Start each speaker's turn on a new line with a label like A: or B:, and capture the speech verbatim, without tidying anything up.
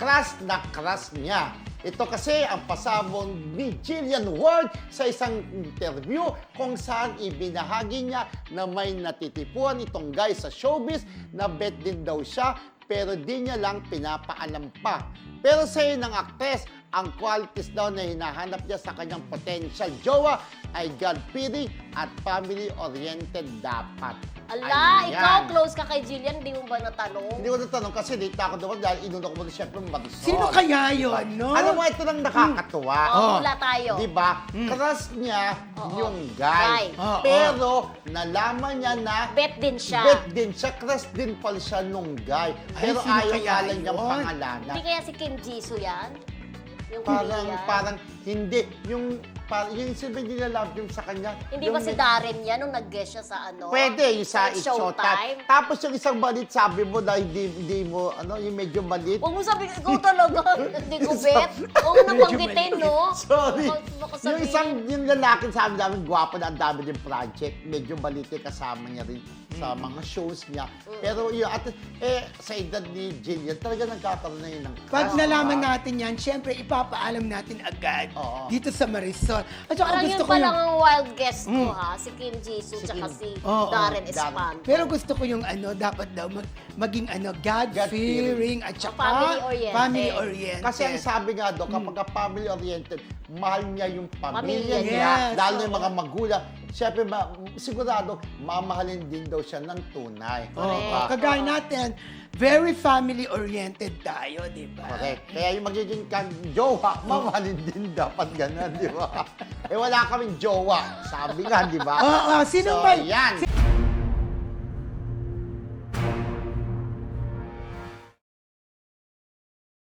A: crush na crush niya. Ito kasi ang pasabong ni Jillian Ward sa isang interview kung saan ibinahagi niya na may natitipuan itong guy sa showbiz na bet din daw siya pero di niya lang pinapaalam pa. Pero sa'yo ng aktres, ang qualities daw na hinahanap niya sa kanyang potential jowa ay God-fearing at family-oriented dapat.
B: Ala,
A: Ayan.
B: ikaw close ka kay Jillian, di mo ba natanong?
A: Hindi ko natanong kasi dito ako naman dahil inuna ko muna siyempre Marisol.
C: Sino kaya yun, no?
A: Alam mo, ito lang nakakatuwa.
B: Oo,
C: Oh.
B: wala tayo.
A: Di ba? Crush niya
B: Oo.
A: yung guy.
B: Guy.
C: Oo.
A: Pero nalaman niya na
B: Bet din siya.
A: bet din siya. Crush din pala siya nung guy.
C: Ay,
A: Pero
C: sino
A: ayaw
C: kaya
A: nga lang niyang
C: yun?
A: pangalanan.
B: Hindi kaya si Kim Jisoo yan? Yung
A: Parang,
B: Korean?
A: parang, hindi. Yung, parang, yung silbi nila love yung sa kanya.
B: Hindi
A: yung
B: ba si Darren yan nung nag-guest siya sa ano?
A: Pwede, yung sa It's
B: Showtime?
A: Showtime. Tapos yung isang balit, sabi mo na hindi, hindi mo, ano, yung medyo balit.
B: Huwag mo sabihin, ikaw talaga, hindi ko bet. Huwag mo nang banggitin, no?
A: Sorry.
B: Baka- baka
A: Yung
B: sabihin.
A: isang, yung lalaki sabi namin, gwapo na ang dami din project. Medyo balite kasama niya rin sa
B: Mm.
A: mga shows niya. Pero yun, at, eh, sa edad ni Jillian, talaga nagkakaroon na yun ng
C: Pag
A: crush,
C: nalaman
A: diba?
C: natin yan, syempre ipapaalam natin agad
A: Oo.
C: dito sa Marisol. At saka
B: Parang
C: gusto
B: yun
C: ko
B: pa
C: yung...
B: lang ang wild guest ko, ha? Si Kim Jisoo,
A: Si
B: tsaka
A: Kim-
B: si
C: Oo,
B: Darren
A: Darren.
B: Espanto.
C: Pero gusto ko yung ano, dapat daw mag, maging ano, God-fearing at saka
B: Family-oriented.
C: family-oriented.
A: Kasi ang sabi nga doon, kapag ka family-oriented, mahal niya yung pamilya
B: Pamilya
A: niya,
C: Yes,
A: lalo na yung
C: oo.
A: mga magulang. Siyempre, ma- sigurado, mamahalin din daw siya ng tunay.
C: Oo,
A: Diba?
C: kagaya natin, very family-oriented tayo, di ba?
A: Correct. Kaya yung magiging kang jowa, mamahalin din dapat ganun, di ba? Eh wala kaming jowa. Sabi nga, di ba?
C: Oo, sino
A: so,
C: ba?
A: yan.